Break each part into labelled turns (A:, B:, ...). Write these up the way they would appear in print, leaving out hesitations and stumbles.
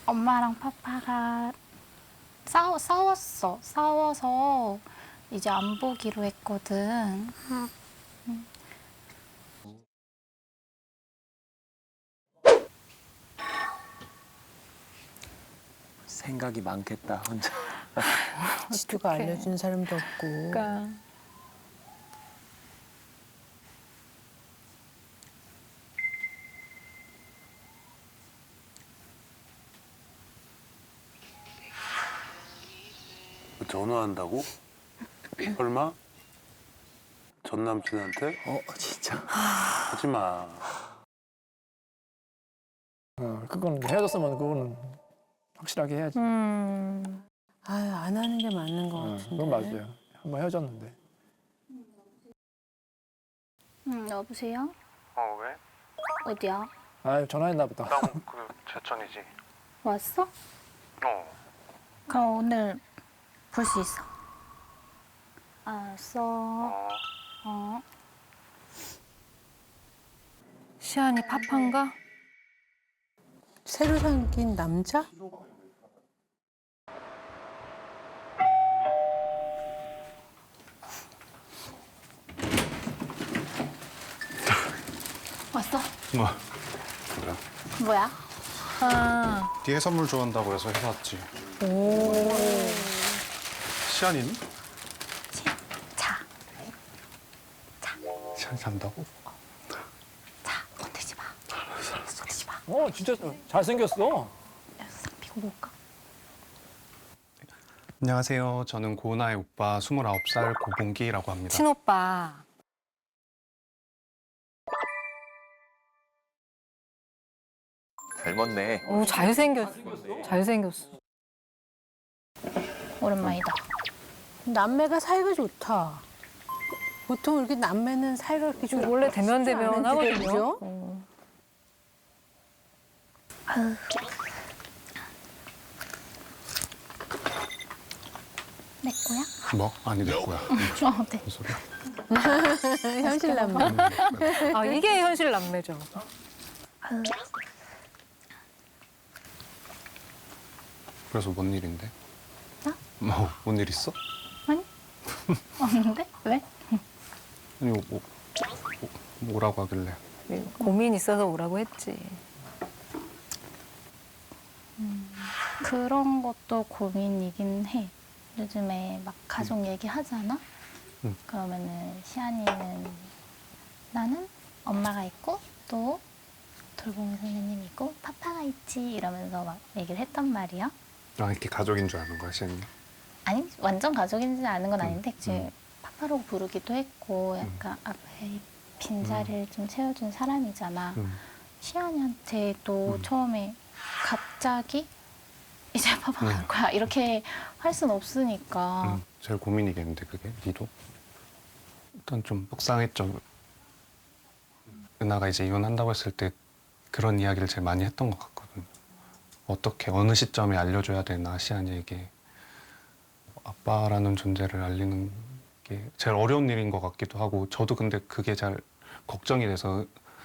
A: 엄마랑 파파가 싸웠어. 싸워서 이제 안 보기로 했거든.
B: 생각이 많겠다 혼자.
C: 지도가 알려준 사람도 없고.
D: 그러니까
E: 전화한다고? 설마? 전 남친한테?
B: 진짜.
E: 하지 마.
F: 그건 헤어졌으면 그거는 확실하게 해야지.
C: 아유, 안 하는 게 맞는 것 같은데.
F: 그건 맞아요. 한번 헤어졌는데.
A: 여보세요?
G: 왜?
A: 어디야?
F: 아 전화했나 보다.
G: 나 그 제천이지.
A: 왔어? 그럼 오늘 볼 수 있어. 알았어. 어.
D: 시안이 파파인가?
C: 새로 생긴 남자?
A: 왔어?
G: 뭐? 그래.
A: 뭐야?
D: 아,
G: 뒤에 선물 좋아한다고 해서 해봤지. 시안이는?
A: 자,
G: 시안이 잔다고?
A: 자, 건들지 마. 건들지 마.
F: 진짜 잘생겼어.
A: 싹 피고 먹을까?
G: 안녕하세요. 저는 고은아의 오빠 29살 고봉기라고 합니다.
D: 친오빠.
B: 닮았네.
D: 오, 잘생겼어. 잘생겼어.
A: 오랜만이다.
C: 남매가 사이가 좋다. 보통 이렇게 남매는 사이가 그렇게 좋아.
D: 원래 대면 하거든요.
C: 그죠?
A: 내 거야?
G: 뭐? 아니 내 거야.
A: 네.
G: 무슨 소리야?
C: 현실 남매.
D: 아, 이게 현실 남매죠.
G: 그래서 뭔 일인데?
A: 나?
G: 뭔 일 있어?
A: 아니? 없는데? 왜?
G: 아니 뭐라고 하길래?
D: 고민 있어서 오라고 했지.
A: 그런 것도 고민이긴 해. 요즘에 막 가족 얘기 하잖아? 그러면은 시안이는 나는 엄마가 있고 또 돌봄이 선생님이 있고 파파가 있지 이러면서 막 얘기를 했단 말이야.
G: 아 이렇게 가족인 줄 아는 거야 시안이?
A: 아니 완전 가족인지 아는 건 아닌데 지금 파파로 부르기도 했고 약간 앞에 빈자리를 좀 채워준 사람이잖아. 시안이한테도 처음에 갑자기 이제 파파 갈 거야 이렇게 할 순 없으니까.
G: 제일 고민이겠는데 그게 니도? 일단 좀 속상했죠. 은하가 이제 이혼한다고 했을 때 그런 이야기를 제일 많이 했던 것 같거든. 어떻게 어느 시점에 알려줘야 되나 시안이에게 아빠라는 존재를 알리는 게 제일 어려운 일인 것 같기도 하고 저도 근데 그게 잘 걱정이 돼서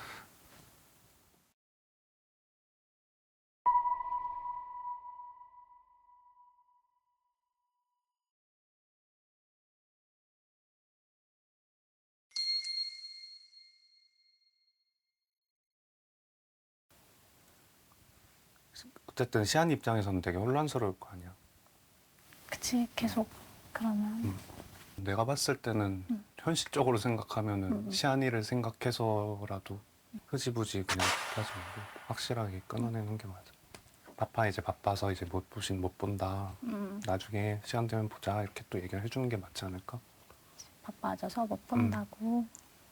G: 어쨌든 시안 입장에서는 되게 혼란스러울 거 아니야.
A: 그치 계속 그러면
G: 내가 봤을 때는 현실적으로 생각하면은 시안이를 생각해서라도 흐지부지 그냥 하지 말고 확실하게 끊어내는 게 맞아. 파파 이제 바빠서 이제 못 본다. 나중에 시간 되면 보자 이렇게 또 얘기를 해주는 게 맞지 않을까?
A: 바빠져서 못 본다고.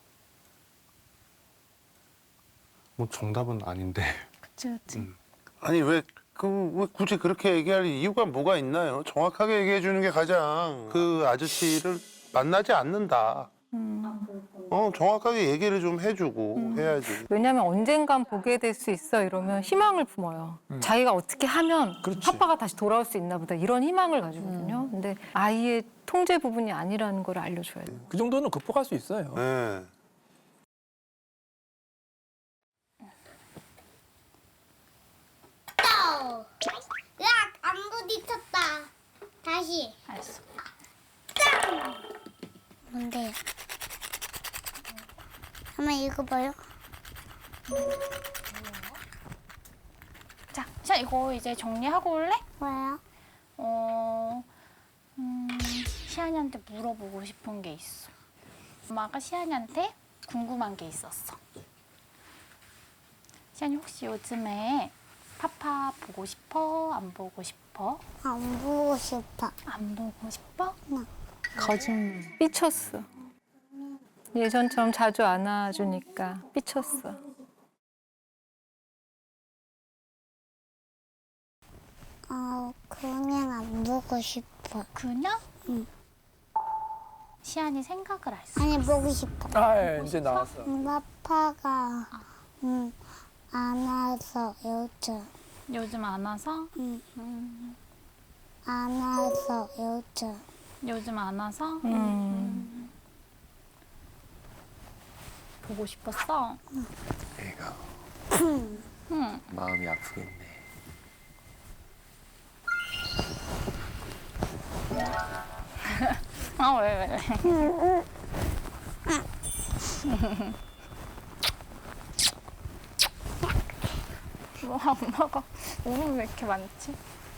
G: 뭐 정답은 아닌데.
A: 그치 그치.
E: 아니 왜 굳이 그렇게 얘기할 이유가 뭐가 있나요? 정확하게 얘기해 주는 게 가장 그 아저씨를 만나지 않는다. 정확하게 얘기를 좀 해주고 해야지.
D: 왜냐면 언젠간 보게 될 수 있어 이러면 희망을 품어요. 자기가 어떻게 하면
F: 그렇지.
D: 파파가 다시 돌아올 수 있나 보다 이런 희망을 가지거든요. 근데 아이의 통제 부분이 아니라는 걸 알려줘야 돼요.
F: 그 정도는 극복할 수 있어요.
E: 네.
H: 안 돼요. 한번 읽어봐요.
A: 자, 시안 이거 이제 정리하고 올래?
H: 뭐야?
A: 시안이한테 물어보고 싶은 게 있어. 엄마가 시안이한테 궁금한 게 있었어. 시안이 혹시 요즘에 파파 보고 싶어? 안 보고 싶어?
H: 안 보고 싶어.
A: 안 보고 싶어?
C: 거짓말.
D: 삐쳤어. 예전처럼 자주 안아주니까 삐쳤어.
H: 그냥 안 보고 싶어.
A: 그냥?
H: 응.
A: 시안이 생각을 할 수.
H: 아니 보고 싶어.
F: 아, 예, 이제 나왔어.
H: 아빠가 안아서 요즘
A: 요즘 안 와서?
H: 안아서 요즘
A: 요즘 안 와서? 보고 싶었어?
B: 애가
A: 응.
B: 마음이 아프겠네.
A: 아, 왜? 엄마가 오늘 왜 이렇게 많지?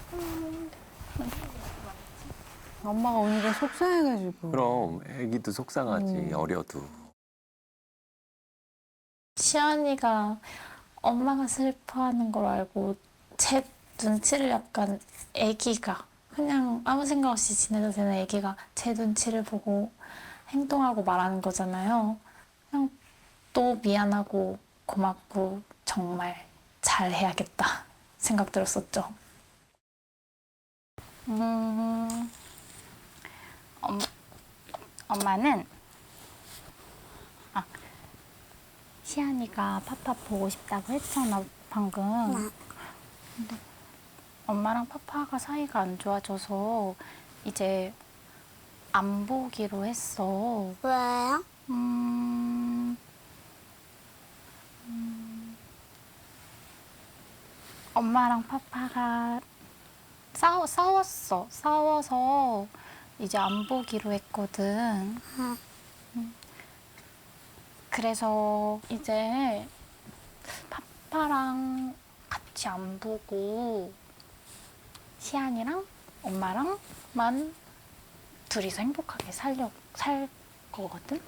C: 엄마가 오니까 속상해가지고.
B: 그럼 애기도 속상하지 어려도.
A: 시안이가 엄마가 슬퍼하는 걸 알고 제 눈치를 약간 애기가 그냥 아무 생각 없이 지내도 되는 애기가 제 눈치를 보고 행동하고 말하는 거잖아요. 그냥 또 미안하고 고맙고 정말 잘해야겠다 생각 들었었죠. 엄마는 시안이가 파파 보고 싶다고 했잖아 방금. 근데 엄마랑 파파가 사이가 안 좋아져서 이제 안 보기로 했어.
H: 왜요?
A: 엄마랑 파파가 싸웠어. 싸워서 이제 안 보기로 했거든. 그래서 이제 파파랑 같이 안 보고 시안이랑 엄마랑만 둘이서 행복하게 살 거거든.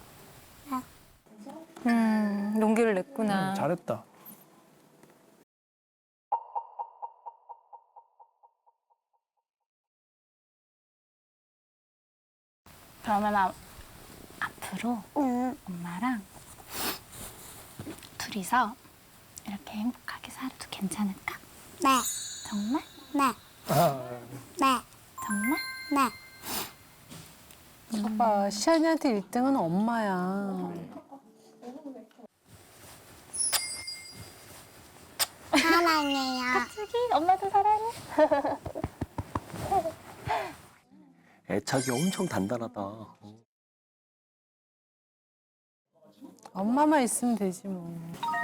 D: 용기를 냈구나.
F: 잘했다.
A: 그러면 앞으로 엄마랑 둘이서 이렇게 행복하게 살아도 괜찮을까?
H: 네.
A: 정말?
H: 네. 네.
A: 정말?
H: 네.
C: 아빠, 시안이한테 1등은 엄마야.
H: 사랑해요.
A: 갑자기 엄마도 사랑해.
B: 애착이 엄청 단단하다.
C: 엄마만 있으면 되지 뭐.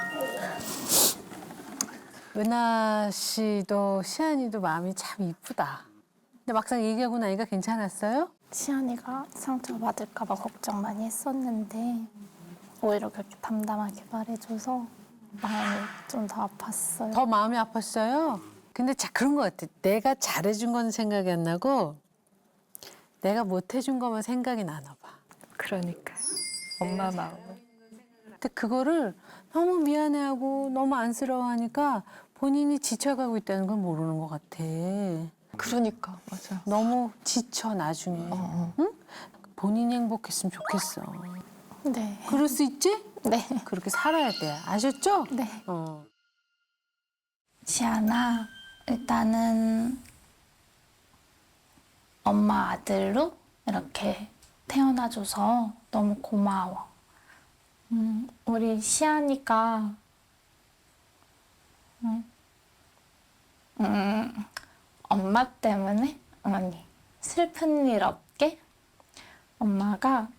C: 은하 씨도 시안이도 마음이 참 이쁘다. 근데 막상 얘기하고 나니까 괜찮았어요?
A: 시안이가 상처받을까 봐 걱정 많이 했었는데 오히려 그렇게 담담하게 말해줘서 마음이 좀 더 아팠어요.
C: 더 마음이 아팠어요? 근데 자 그런 것 같아. 내가 잘해준 건 생각이 안 나고 내가 못해준 거만 생각이 나나 봐.
D: 그러니까 엄마 마음을.
C: 근데 그거를 너무 미안해하고 너무 안쓰러워하니까 본인이 지쳐가고 있다는 걸 모르는 것 같아.
D: 그러니까 맞아.
C: 너무 지쳐 나중에. 응? 본인이 행복했으면 좋겠어.
A: 네.
C: 그럴 수 있지?
A: 네.
C: 그렇게 살아야 돼. 아셨죠?
A: 네.
C: 어.
A: 시안아, 일단은 엄마 아들로 이렇게 태어나줘서 너무 고마워. 우리 시안이가 엄마 때문에 어머니 슬픈 일 없게 엄마가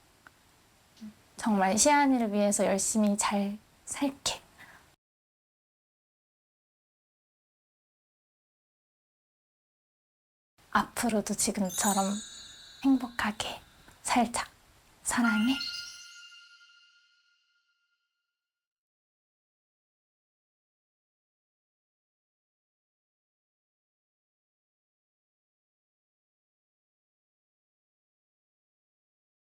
A: 정말 시안이를 위해서 열심히 잘 살게. 앞으로도 지금처럼 행복하게 살자. 사랑해.